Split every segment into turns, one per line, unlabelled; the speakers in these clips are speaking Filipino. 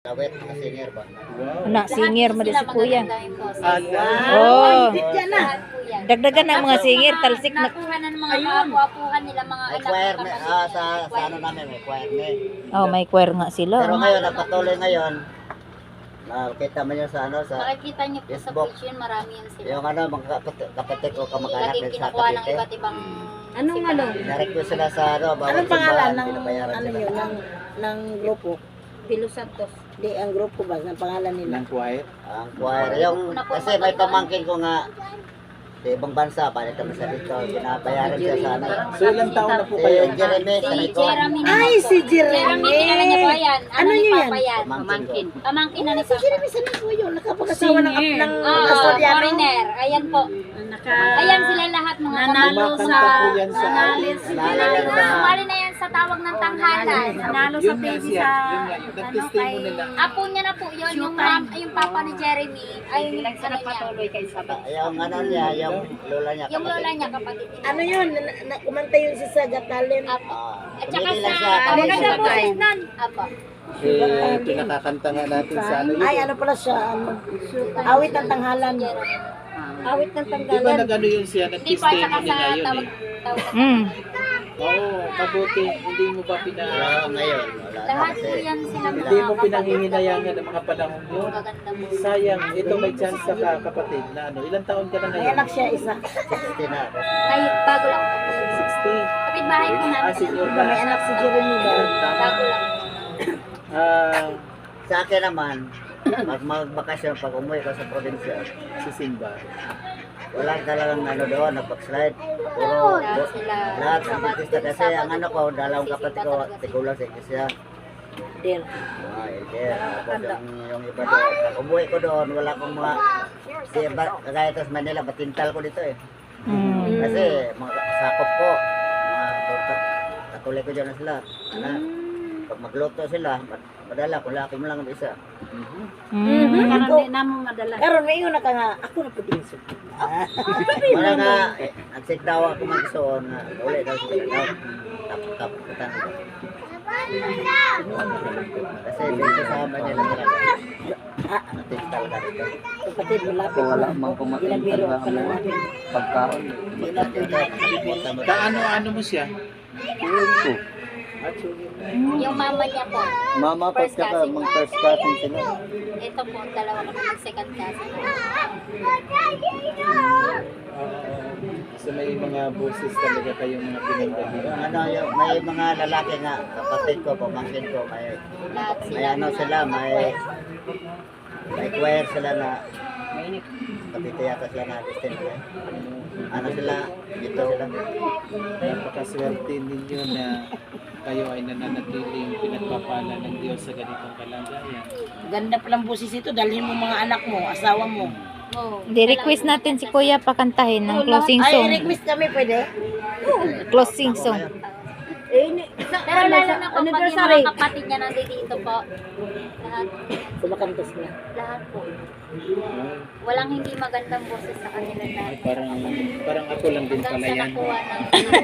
Awet, singer ba?
Anak, singer mo din si kuya.
Oh.
Dagdagan ng mga singer, talsik na.
Nakuha na ng mga kaapu-apuhan nila, mga
May
anak.
choir, sa ano namin, may choir na eh.
Oh, may choir nga sila.
Pero ngayon, napatuloy ngayon, nakita mo yun sa ano, sa
Makikita niyo po sa
Facebook.
page yun, marami yan sila.
yung ano, mga kapatid ko, kamag-anak
Laging
din sa
kinukuha ng
Cavite.
iba't ibang...
Anong ano?
Na-request sila sa ano, bawat
Anong pangalan
simbahan,
ng
pinabayaran
ano
sila.
yun ng grupo?
Pilo Santos.
Di ang grupo ba ng pangalan nila?
Ng choir.
Ang choir, yung, kasi may pamangkin ko nga, sa ibang bansa, balik kami sa dito, binabayaran siya sa ano.
So ilang taon na po
Si
kayo?
Jeremy,
Si
sabi ko,
Jeremy naman
Ay,
po.
si Jeremy.
Jeremy, kilala niya po yan.
Ano
ni
niyo
Papa yan?
pamangkin ko.
Pamangkin na ni
Si
Papa.
Jeremy, saan po yun? Nakapag-asawa ng
Ah,
Australiano.
foreigner. Ayan po. Ayan sila lahat mga
Nanalo
Kumakanta po yan sa...
Sumali na yan sa tawag ng tanghalan.
Nanalo
Yun nga siya. Yun nga. Yung nag-testimony lang.
Apo niya na po yun, yung papa ni Jeremy. Ay, yung ano niya.
Yung ano niya, yung lola niya.
Yung lola niya, kapatid niya.
Ano yun? Kumanta yun si Saga Talent.
Apo.
Ah,
At saka
tumigil lang
sa...
siya, tapos
Maganda
siya
po
tayo.
nun. Apo.
Pinakakanta nga natin sa ano yun.
Ay, ano pala siya? Ano? Awit ng tanghalan. Awit ng
Di ba
tanghalan.
nag-ano yun siya?
Hindi po, at saka
Nag-testimony
sa
nga yun
tawag.
eh.
Mm.
Oo, mabuti. Hindi mo ba
Wala ngayon, wala na
Lahat
kasi.
po yan sila mga
Hindi mo pinanginginayangan ng mga panahon yun.
Maganda mo.
Sayang, ito may chance ka kapatid na ano. Ilang taon ka na
May
ngayon?
anak siya isa.
60 na ako.
Ay, bago lang po.
60.
Kapitbahay po namin.
Senior
Diba, may anak si Jeremy ba?
Bago lang.
Ah,
Sa akin naman, pag magbakasyon, pag umuwi ko sa probinsya,
si Simba.
wala talagang ano doon, nag-backslide. Puro, lahat ng artista kasi ang ano ko, dalawang kapatid ko, tigulang sa iglesia.
Din.
Elder. Tapos yung iba doon, pag umuwi ko doon, wala akong mga, kagaya ito sa Manila, batintal ko dito eh.
Mm.
Kasi mga sakop ko, mga katuloy ko dyan na sila. Na, pag magluto sila, madala ko laki mo lang ang isa.
Mm.
Karon na mo madala. Karon may una ka nga ako na pud inso.
Wala nga, nagsik daw ako magsuon na uli daw sila daw. Tapos katan ko. Kasi dito sa Manila talaga. Natintal ka dito.
Kapatid malapit.
Wala mang kumain
Ginabiro
talaga
ka lang
ng
natin.
pagkaon. Ano mo siya? Ko.
Yung mama niya po.
Mama,
First cousin.
mga first cousin sila.
Ito po, dalawa kami ng second cousin.
So may mga boses talaga kayong mga pinagdali.
Yung ano, yung, may mga lalaki nga, kapatid ko, pamangkin ko,
Lahat
may
sila.
ano sila, may choir sila na kapite yata sila na Christian eh. Ano sila, dito sila.
Napakaswerte ninyo na kayo ay nananatiling pinagpapala ng Diyos sa ganitong kalagayan.
Ganda palang busis ito, dalhin mo mga anak mo, asawa mo.
Oh,
Di-request natin si kuya pakantahin ng closing
Ay,
song.
request kami pwede.
Closing song.
Pero lalo na po, pag yung mga kapatid niya nandito po. Lahat.
Sumakantos na.
Lahat po. Walang hindi magandang boses sa kanila lahat.
Parang ako lang din
Hanggang
pala
sa
yan.
nakuha ng...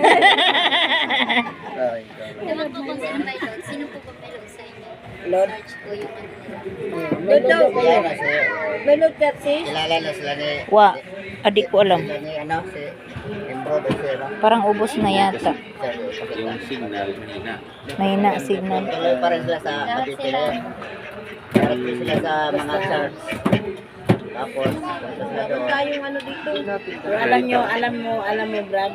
Ay,
Ewan po kung sino may load. Sino po ba may load sa inyo?
Lord.
Search ko yung ano nila.
May load
kaya kasi,
May load kasi.
kilala na sila ni,
Wa, adik ko alam.
sila ni ano, si Embroid o siya, no?
Parang ubos na yata.
Yung signal nila.
Mahina signal.
Tuloy pa rin sila sa
Lahat
Cavite.
sila.
Directly sila sa mga church. Tapos, punta sila doon.
Tayong ano dito. Pero alam mo Brad.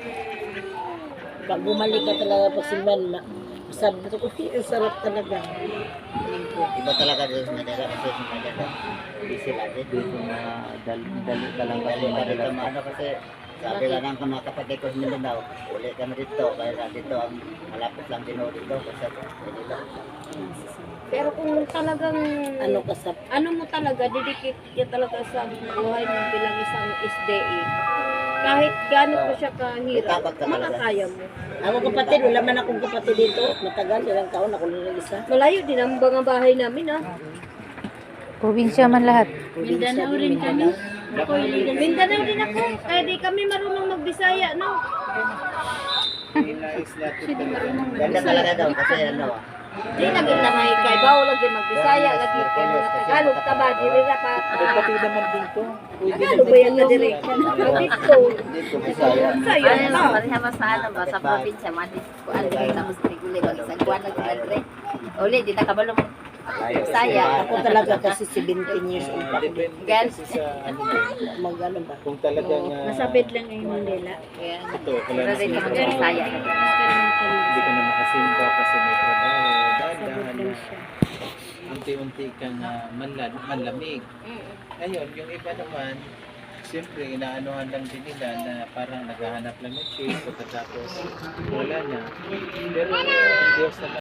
Pag bumalik ka talaga pag simban, sabi ko, ang sarap talaga.
Iba talaga doon sa Manila kasi sa Manila. Busy lagi.
Dito na dali ka lang kasi
Dali ka dito,
madala.
ano kasi sabi lang ng mga kapatid ko sa Mindanao, uli kami dito, kaya dito ang malapit lang din ako dito kasi sa Manila.
Pero kung talagang
Ano ka sa...
ano mo talaga, didikit ka talaga sa buhay mo bilang isang SDE. Kahit gaano pa siya kahirap,
Takot ka talaga.
makakaya mo.
Ako kapatid, wala man akong kapatid dito. Matagal, ilang taon ako lang isa.
Malayo din ang mga bahay namin
Probinsya man lahat.
Mindanao rin kami.
Mindanao din ako, kaya di kami marunong magbisaya, no?
Ganda talaga daw kasi ano,
Di lagi na may kaibaw, lagi magbisaya, lagi kay mga Tagalog, taba, dili na pa.
Pati naman dito. Pwede
Tagalog ba yan na diri? Dito.
Dito Bisaya.
Sayo na.
Pareha ba sa ano ba sa probinsya madis ko ano tapos triguli pag isang buwan na dire. Uli di na kabalo mo.
Layo.
Saya.
Ako talaga kasi 17 years old pa.
Depende
Gan.
kasi sa ano din.
Mag-ano ba?
Kung talagang
Masabit lang yung Mandela.
Yan.
ito,
Pero rin naman sa saya.
hindi ka na makasimba kasi may trabaho, dahan na unti-unti kang manlamig. Ayun, yung iba naman, siyempre, inaanuhan lang din nila na parang naghahanap lang ng change pagkatapos wala na. Pero ang Diyos naman